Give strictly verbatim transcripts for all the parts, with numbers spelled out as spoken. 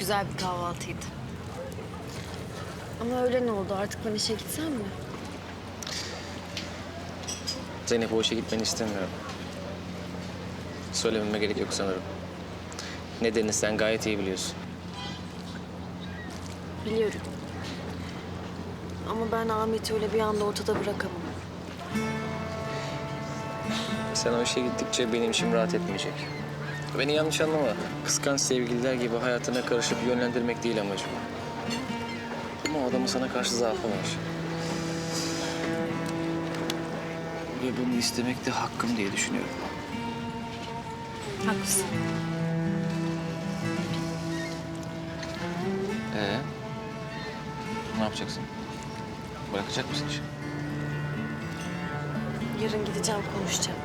güzel bir kahvaltıydı. Ama öğlen oldu. Artık ben işe gitsem mi? Zeynep, o işe gitmeni istemiyorum. Söylememe gerek yok sanırım. Nedenini sen gayet iyi biliyorsun. Biliyorum. Ama ben Ahmet'i öyle bir anda ortada bırakamam. Sen o işe gittikçe benim içim rahat etmeyecek. Beni yanlış anlama. Kıskanç sevgililer gibi hayatına karışıp yönlendirmek değil amacım. Ama o adamın sana karşı zaafı var. Ve bunu istemek de hakkım diye düşünüyorum. Haklısın. Ee, ne yapacaksın? Bırakacak mısın işi? Yarın gideceğim, konuşacağım.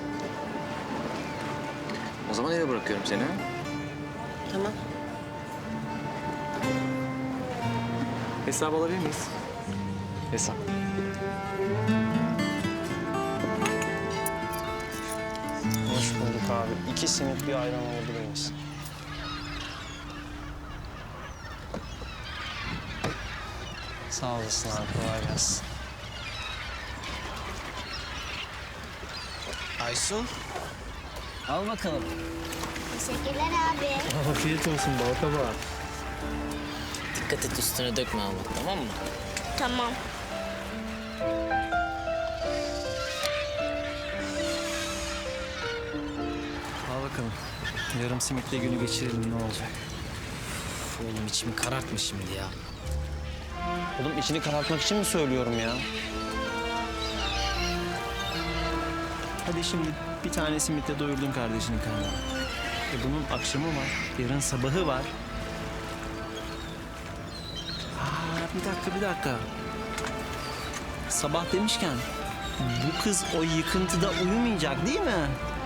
O zaman eve bırakıyorum seni. Ha? Tamam. Hesap alabilir miyiz? Hesap. Hoş bulduk abi. İki simit bir ayran alabilir misin? Sağ olasın abi. Kolay gelsin. Aysun. Al bakalım. Teşekkürler abi. Afiyet olsun bal kabağı. Dikkat et üstüne dökme ama, tamam mı? Tamam. Al bakalım. Yarım simitle günü geçirelim ne olacak? Üf, oğlum içimi karartma şimdi ya. Oğlum içini karartmak için mi söylüyorum ya? Hadi şimdi bir tane simitle doyurdun kardeşinin karnını. E bunun akşamı var, yarın sabahı var. Aa, bir dakika, bir dakika. Sabah demişken bu kız o yıkıntıda uyumayacak değil mi?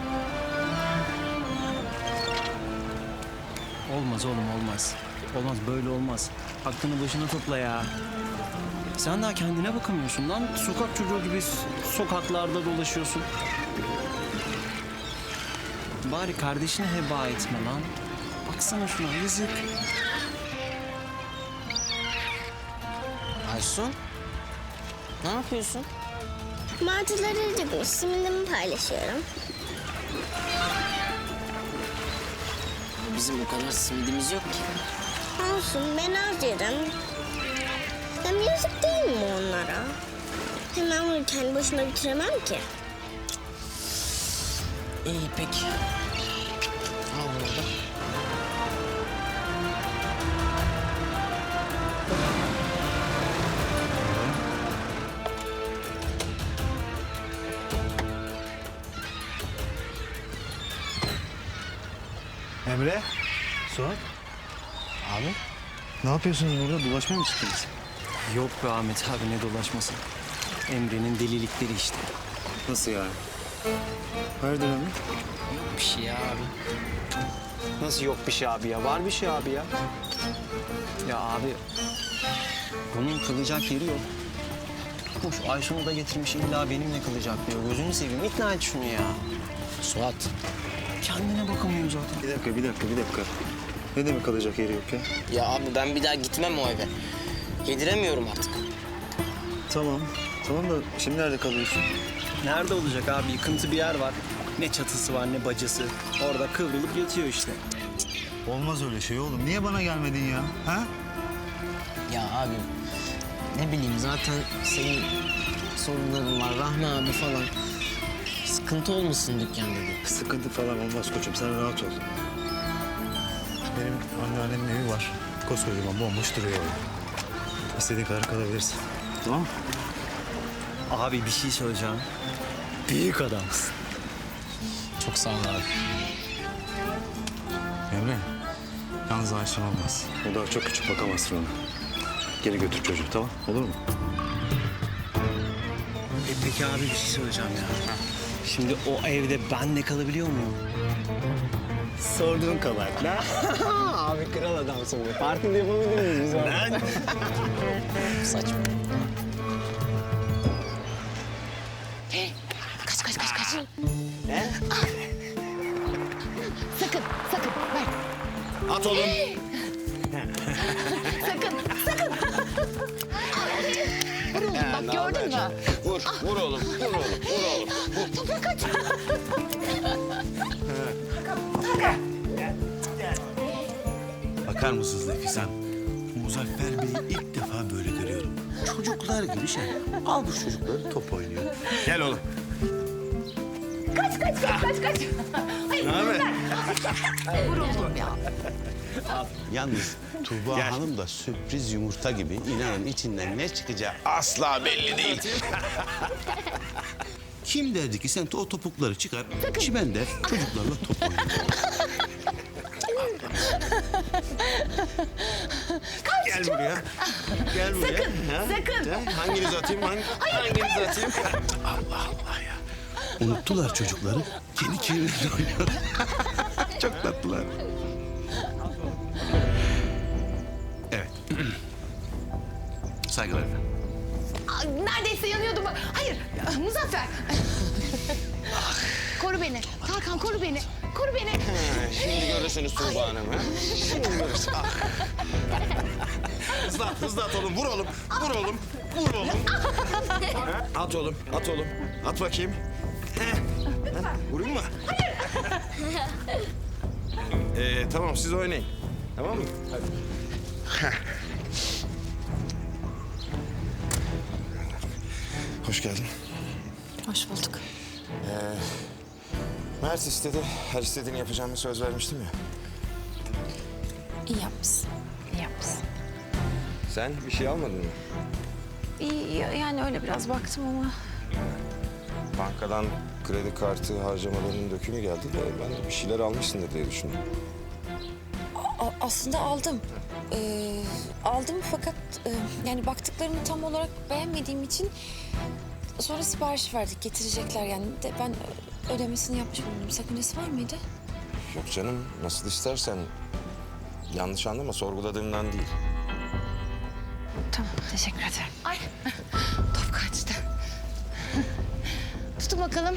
Olmaz oğlum, olmaz. Olmaz, böyle olmaz. Aklını başına topla ya. Sen daha kendine bakamıyorsun lan. Sokak çocuğu gibi sokaklarda dolaşıyorsun. Bari kardeşini heba etme lan. Baksana şuna, yazık. Aysun, ne yapıyorsun? Martıları acıkmış. Simidimi paylaşıyorum. Bizim o kadar simidimiz yok ki. Olsun, ben harcarım. Hem yazık değil mi onlara? Hem ben bunu kendi başıma bitiremem ki. İyi peki. Al bunu da. Emre, Suat. Abi? Ne yapıyorsunuz burada? Dolaşmaya mı çıktınız? Yok be Ahmet abi, ne dolaşması. Emre'nin delilikleri işte. Nasıl yani? Hayırdır Emre? Bir şey ya abi. Nasıl yok bir şey abi ya? Var bir şey abi ya. Ya abi, bunun kalacak yeri yok. Tutmuş Aysun'u da getirmiş, illa benimle kalacak diyor. Gözünü seveyim, ikna et şunu ya. Suat, Kendine bakamıyor zaten. Bir dakika, bir dakika, bir dakika. Ne demek kalacak yeri yok ya? ya abi ben bir daha gitmem o eve. Yediremiyorum artık. Tamam, tamam da şimdi nerede kalıyorsun? Nerede olacak abi? Yıkıntı bir yer var. Ne çatısı var ne bacası. Orada kıvrılıp yatıyor işte. Olmaz öyle şey oğlum. Niye bana gelmedin ya? Ha? Ya abi ne bileyim zaten senin sorunların var, Rahmi abi falan. Sıkıntı olmasın dükkanda dedi. Sıkıntı falan olmaz koçum. Sen rahat ol. Benim anneannemin evi var. Koskocaman bomboş duruyor orada. İstediğin kadar kalabilirsin. Tamam mı? Abi bir şey söyleyeceğim. Büyük adamsın. Çok sağ ol abi. Emre, yalnız Ayşen olmaz. O daha çok küçük, bakamazsın ona. Geri götür çocuğu, tamam? Olur mu? E peki abi bir şey söyleyeceğim ya. Şimdi o evde ben de kalabiliyor muyum? Sorduğun kabahat lan. Abi kral adamsın be. Partide yapabilir miyiz biz orada? Lan. Saçma. Hey, kaç kaç kaç kaç. Ne? Sakın, sakın. Ver. At oğlum. Vur oğlum, vur oğlum, vur oğlum. Toprak kaç. Bakar mısınız Nefis Hanım? Muzaffer Bey'i ilk defa böyle görüyorum. Çocuklar gibi şey. Al bu çocukları top oynuyor. Gel oğlum. Kaç kaç kaç kaç kaç. Hayır. Ne haber? Vur oğlum ya. Yalnız Tuğba Hanım da sürpriz yumurta gibi. İnanın içinden ne çıkacağı asla belli değil. Kim derdi ki sen o topukları çıkar, çimen der, çocuklarla top oynuyor. Gel buraya. Gel buraya. Sakın, Ha? sakın. Ha? Hanginizi atayım? Hangi, hanginizi atayım? Allah Allah ya. Unuttular çocukları. Kendi kendilerine oynuyor. Çok tatlılar. Evet. Saygılar efendim. Aa, neredeyse yanıyordum. Hayır Muzaffer. Koru beni. Tarkan koru beni. Koru beni. Şimdi görürsünüz Tuğba Hanım. Ha? Şimdi görürsünüz. Ah. Hızlı at, hızlı at oğlum. Vur oğlum. Vur oğlum. Vur oğlum. Ha? At oğlum, at oğlum. At bakayım. Heh. Ha? Vurayım mı? Ee, tamam, siz oynayın. Tamam mı? Hadi. Heh. Hoş geldin. Hoş bulduk. Mert istedi. Her istediğini yapacağımı söz vermiştim ya. İyi yapmışsın. İyi yapmışsın. Sen bir şey almadın mı? İyi yani öyle biraz baktım ama. Bankadan kredi kartı harcamalarının dökümü geldi de ben de bir şeyler almışsındır diye düşündüm. A- aslında aldım. Ee, aldım fakat e, yani baktıklarını tam olarak beğenmediğim için sonra sipariş verdik. Getirecekler yani de ben ödemesini yapmış bulundum. Sakıncası var mıydı? Yok canım, nasıl istersen. Yanlış anlama, sorguladığımdan değil. Tamam, teşekkür ederim. Ay top kaçtı. Tutun bakalım.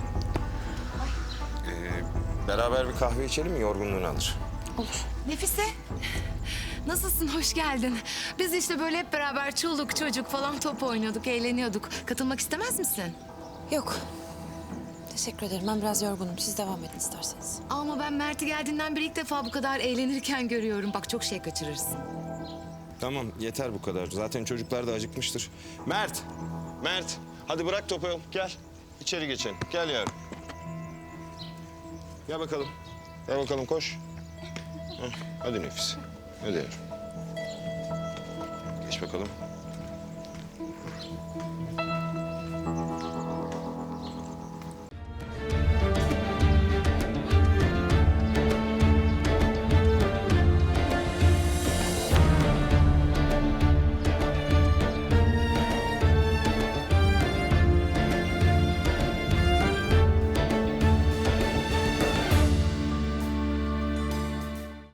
Beraber bir kahve içelim mi? Yorgunluğunu alır. Nefise. Nasılsın? Hoş geldin. Biz işte böyle hep beraber çoluk çocuk falan top oynuyorduk, eğleniyorduk. Katılmak istemez misin? Yok. Teşekkür ederim. Ben biraz yorgunum. Siz devam edin isterseniz. Ama ben Mert'i geldiğinden beri ilk defa bu kadar eğlenirken görüyorum. Bak çok şey kaçırırsın. Tamam, yeter bu kadar. Zaten çocuklar da acıkmıştır. Mert! Mert! Hadi bırak topu. Gel. İçeri geçelim. Gel yavrum. Gel bakalım. Gel bakalım, koş. Heh, hadi Nefis. Hadi yavrum. Geç bakalım.